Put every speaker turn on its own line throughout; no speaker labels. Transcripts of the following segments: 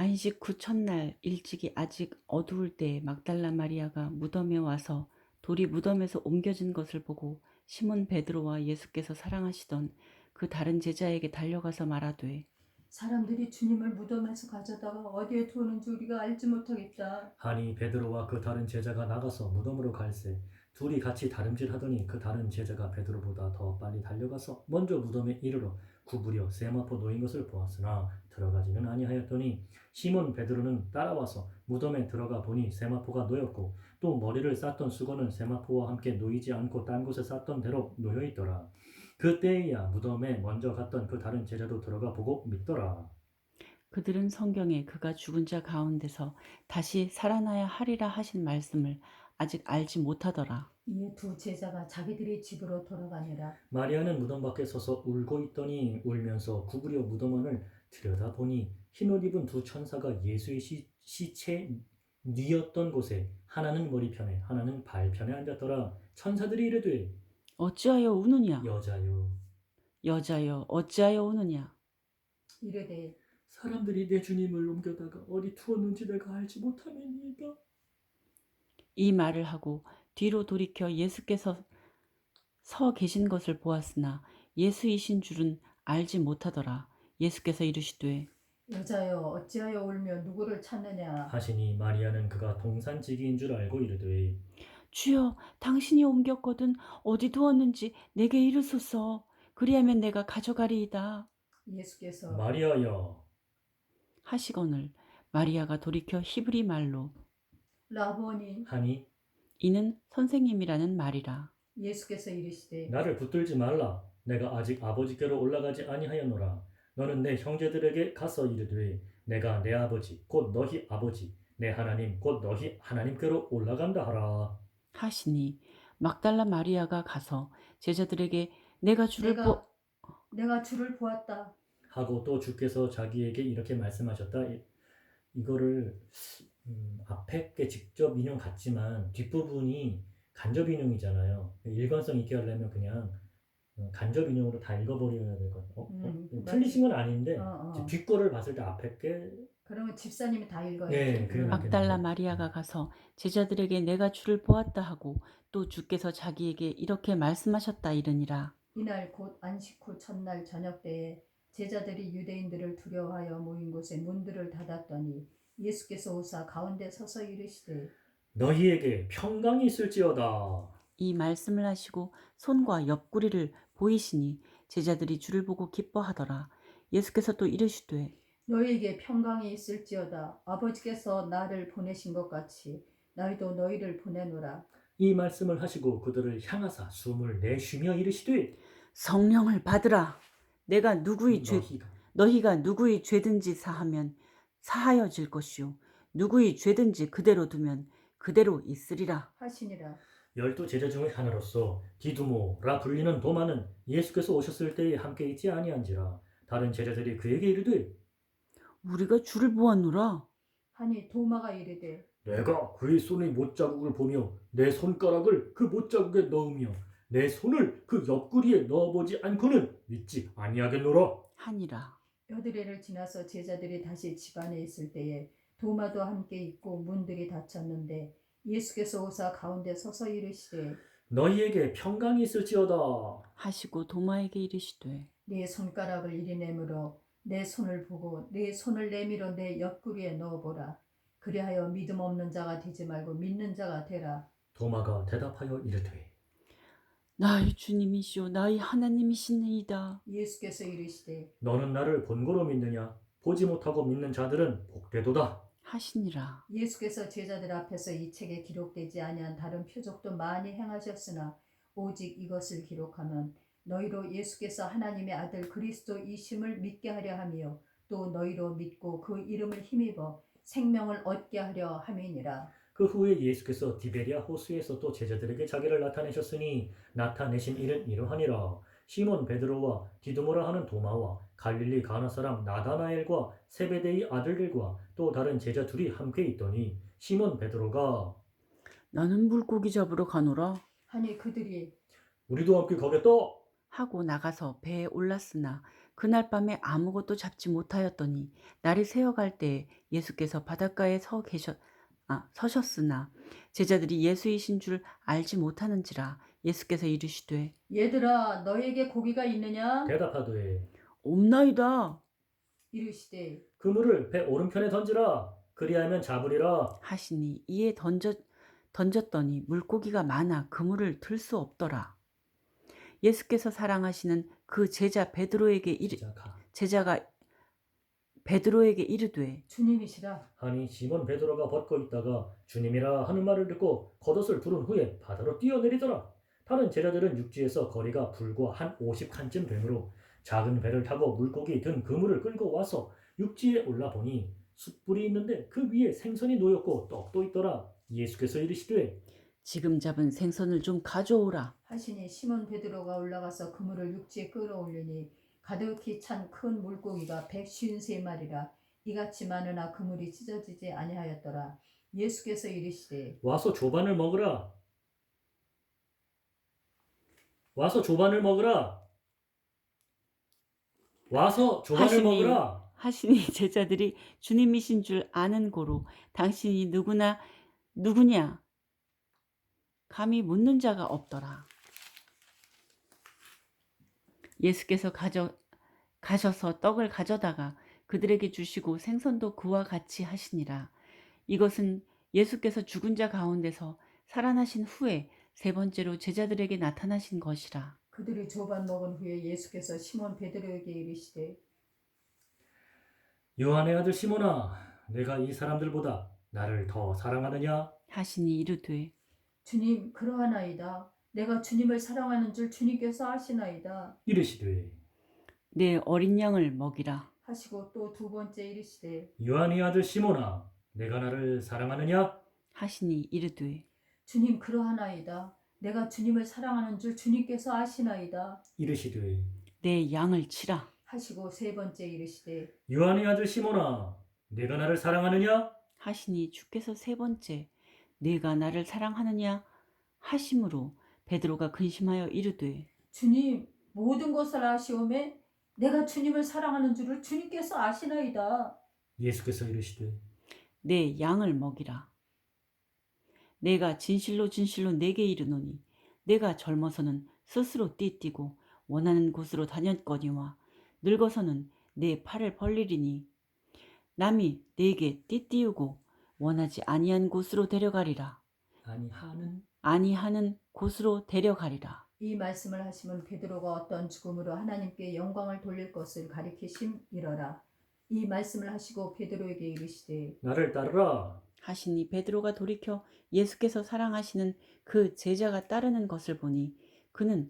안식 후 첫날 일찍이 아직 어두울 때에 막달라 마리아가 무덤에 와서 돌이 무덤에서 옮겨진 것을 보고 시몬 베드로와 예수께서 사랑하시던 그 다른 제자에게 달려가서 말하되
사람들이 주님을 무덤에서 가져다가 어디에 두었는지 우리가 알지 못하겠다.
하니 베드로와 그 다른 제자가 나가서 무덤으로 갈새 둘이 같이 다름질하더니 그 다른 제자가 베드로보다 더 빨리 달려가서 먼저 무덤에 이르러 구부려 세마포 놓인 것을 보았으나 들어가지는 아니하였더니 시몬 베드로는 따라와서 무덤에 들어가 보니 세마포가 놓였고 또 머리를 쌌던 수건은 세마포와 함께 놓이지 않고 딴 곳에 쌌던 대로 놓여 있더라. 그때에야 무덤에 먼저 갔던 그 다른 제자도 들어가 보고 믿더라.
그들은 성경에 그가 죽은 자 가운데서 다시 살아나야 하리라 하신 말씀을 아직 알지 못하더라.
이에 두 제자가 자기들의 집으로 돌아가니라.
마리아는 무덤 밖에 서서 울고 있더니 울면서 구부려 무덤안을 들여다보니 흰옷 입은 두 천사가 예수의 시체 뉘었던 곳에 하나는 머리편에 하나는 발편에 앉았더라. 천사들이 이르되
어찌하여 우느냐?
여자여
여자여 어찌하여 우느냐?
이르되
사람들이 내 주님을 옮겨다가 어디 두었는지 내가 알지 못함이니이다.
이 말을 하고 뒤로 돌이켜 예수께서 서 계신 것을 보았으나 예수이신 줄은 알지 못하더라. 예수께서 이르시되
여자여 어찌하여 울며 누구를 찾느냐.
하시니 마리아는 그가 동산지기인 줄 알고 이르되
주여 당신이 옮겼거든 어디 두었는지 내게 이르소서. 그리하면 내가 가져가리이다
예수께서
마리아여
하시거늘 마리아가 돌이켜 히브리 말로
라보니
하니
이는 선생님이라는 말이라.
예수께서 이르시되
나를 붙들지 말라. 내가 아직 아버지께로 올라가지 아니하였노라. 너는 내 형제들에게 가서 이르되 내가 내 아버지 곧 너희 아버지 내 하나님 곧 너희 하나님께로 올라간다 하라.
하시니 막달라 마리아가 가서 제자들에게 내가 주를
내가 주를 보았다.
하고 또 주께서 자기에게 이렇게 말씀하셨다. 이거를 앞에 게 직접 인용 같지만 뒷부분이 간접 인용이잖아요. 일관성 있게 하려면 그냥 간접 인용으로 다 읽어버려야 될 것 같아요. 틀리신 건 아닌데 뒷거를 봤을 때 앞에 게
그러면 집사님이 다 읽어야죠.
네, 그래
막달라 마리아가 가서 제자들에게 내가 주를 보았다 하고 또 주께서 자기에게 이렇게 말씀하셨다 이르니라.
이날 곧 안식 후 첫날 저녁 때에 제자들이 유대인들을 두려워하여 모인 곳에 문들을 닫았더니 예수께서 오사 가운데 서서 이르시되
너희에게 평강이 있을지어다.
이 말씀을 하시고 손과 옆구리를 보이시니 제자들이 주를 보고 기뻐하더라. 예수께서 또 이르시되
너희에게 평강이 있을지어다. 아버지께서 나를 보내신 것 같이 너희도 너희를 보내노라.
이 말씀을 하시고 그들을 향하사 숨을 내쉬며 이르시되
성령을 받으라. 내가 너희가 누구의 죄든지 사하면 사하여질 것이요 누구의 죄든지 그대로 두면 그대로 있으리라
하시니라.
12 제자 중의 하나로서 디두모라 불리는 도마는 예수께서 오셨을 때에 함께 있지 아니한지라. 다른 제자들이 그에게 이르되
우리가 주를 보았노라.
하니 도마가 이르되
내가 그의 손의 못자국을 보며 내 손가락을 그 못자국에 넣으며 내 손을 그 옆구리에 넣어보지 않고는 믿지 아니하겠노라
하니라.
여드레를 지나서 제자들이 다시 집안에 있을 때에 도마도 함께 있고 문들이 닫혔는데 예수께서 오사 가운데 서서 이르시되
너희에게 평강이 있을지어다.
하시고 도마에게 이르시되
네 손가락을 이리 내밀어 내 손을 보고 네 손을 내밀어 내 옆구리에 넣어보라. 그리하여 믿음 없는 자가 되지 말고 믿는 자가 되라.
도마가 대답하여 이르되
나의 주님이시오 나의 하나님이시니이다.
예수께서 이르시되
너는 나를 본고로 믿느냐? 보지 못하고 믿는 자들은 복되도다.
하시니라.
예수께서 제자들 앞에서 이 책에 기록되지 아니한 다른 표적도 많이 행하셨으나 오직 이것을 기록하면 너희로 예수께서 하나님의 아들 그리스도이심을 믿게 하려 하며 또 너희로 믿고 그 이름을 힘입어 생명을 얻게 하려 함이니라.
그 후에 예수께서 디베리아 호수에서 또 제자들에게 자기를 나타내셨으니 나타내신 일은 이러하니라. 시몬 베드로와 디두모라 하는 도마와 갈릴리 가나 사람 나다나엘과 세베데의 아들들과 또 다른 제자 둘이 함께 있더니 시몬 베드로가
나는 물고기 잡으러 가노라
하니 그들이
우리도 함께 가겠다
하고 나가서 배에 올랐으나 그날 밤에 아무것도 잡지 못하였더니 날이 새어갈 때에 예수께서 바닷가에 서셨으나 제자들이 예수이신 줄 알지 못하는지라. 예수께서 이르시되
얘들아 너에게 고기가 있느냐?
대답하되
없나이다
이르시되
그물을 배 오른편에 던지라. 그리하면 잡으리라.
하시니 이에 던졌더니 물고기가 많아 그물을 들 수 없더라. 예수께서 사랑하시는 그 제자가 베드로에게 이르되
주님이시라.
하니 시몬 베드로가 벗고 있다가 주님이라 하는 말을 듣고 겉옷을 두른 후에 바다로 뛰어내리더라. 다른 제자들은 육지에서 거리가 불과 한 50칸쯤 되므로 작은 배를 타고 물고기 든 그물을 끌고 와서 육지에 올라보니 숯불이 있는데 그 위에 생선이 놓였고 떡도 있더라. 예수께서 이르시되
지금 잡은 생선을 좀 가져오라.
하시니 시몬 베드로가 올라가서 그물을 육지에 끌어올리니 가득히 찬 큰 물고기가 153마리라. 이같이 많으나 그물이 찢어지지 아니하였더라. 예수께서 이르시되
와서 조반을 먹으라. 와서 조반을 먹으라. 와서 조반을 먹으라.
하시니 제자들이 주님이신 줄 아는 고로 당신이 누구냐 감히 묻는 자가 없더라. 예수께서 가셔서 떡을 가져다가 그들에게 주시고 생선도 그와 같이 하시니라. 이것은 예수께서 죽은 자 가운데서 살아나신 후에 세 번째로 제자들에게 나타나신 것이라.
그들이 조반 먹은 후에 예수께서 시몬 베드로에게 이르시되
요한의 아들 시몬아, 내가 이 사람들보다 나를 더 사랑하느냐?
하시니 이르되
주님 그러하나이다. 내가 주님을 사랑하는 줄 주님께서 아시나이다.
이르시되
내 어린 양을 먹이라.
하시고 또 두 번째 이르시되
요한의 아들 시몬아, 내가 나를 사랑하느냐?
하시니 이르되
주님 그러하나이다. 내가 주님을 사랑하는 줄 주님께서 아시나이다.
이르시되
내 양을 치라.
하시고 세 번째 이르시되
요한의 아들 시몬아, 내가 나를 사랑하느냐?
하시니 주께서 세 번째 내가 나를 사랑하느냐 하심으로 베드로가 근심하여 이르되
주님 모든 것을 아시오매 내가 주님을 사랑하는 줄을 주님께서 아시나이다.
예수께서 이르시되
내 양을 먹이라. 내가 진실로 내게 이르노니 내가 젊어서는 스스로 띠뛰고 원하는 곳으로 다녔거니와 늙어서는 내 팔을 벌리리니 남이 내게 띠띠우고 원하지 아니한 곳으로 데려가리라. 아니하는 곳으로 데려가리라.
이 말씀을 하시면 베드로가 어떤 죽음으로 하나님께 영광을 돌릴 것을 가리키심이러라. 이 말씀을 하시고 베드로에게 이르시되
나를 따르라.
하시니 베드로가 돌이켜 예수께서 사랑하시는 그 제자가 따르는 것을 보니 그는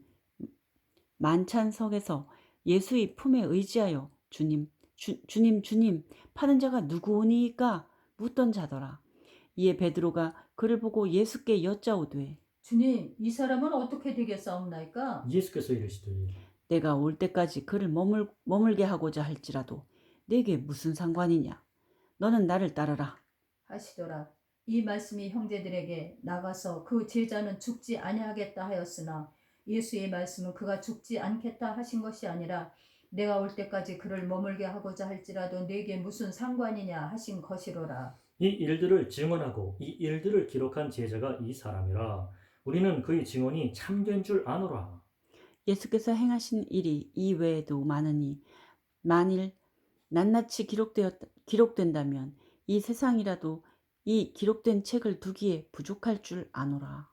만찬석에서 예수의 품에 의지하여 주님 파는 자가 누구오니까 묻던 자더라. 이에 베드로가 그를 보고 예수께 여짜오되
주님 이 사람은 어떻게 되겠사옵나이까?
예수께서 이르시되
내가 올 때까지 그를 머물게 하고자 할지라도 내게 무슨 상관이냐. 너는 나를 따르라
하시더라. 이 말씀이 형제들에게 나가서 그 제자는 죽지 아니하겠다 하였으나 예수의 말씀은 그가 죽지 않겠다 하신 것이 아니라 내가 올 때까지 그를 머물게 하고자 할지라도 내게 무슨 상관이냐 하신 것이로라.
이 일들을 증언하고 이 일들을 기록한 제자가 이 사람이라. 우리는 그의 증언이 참된 줄 아노라.
예수께서 행하신 일이 이 외에도 많으니 만일 낱낱이 기록된다면 이 세상이라도 이 기록된 책을 두기에 부족할 줄 아노라.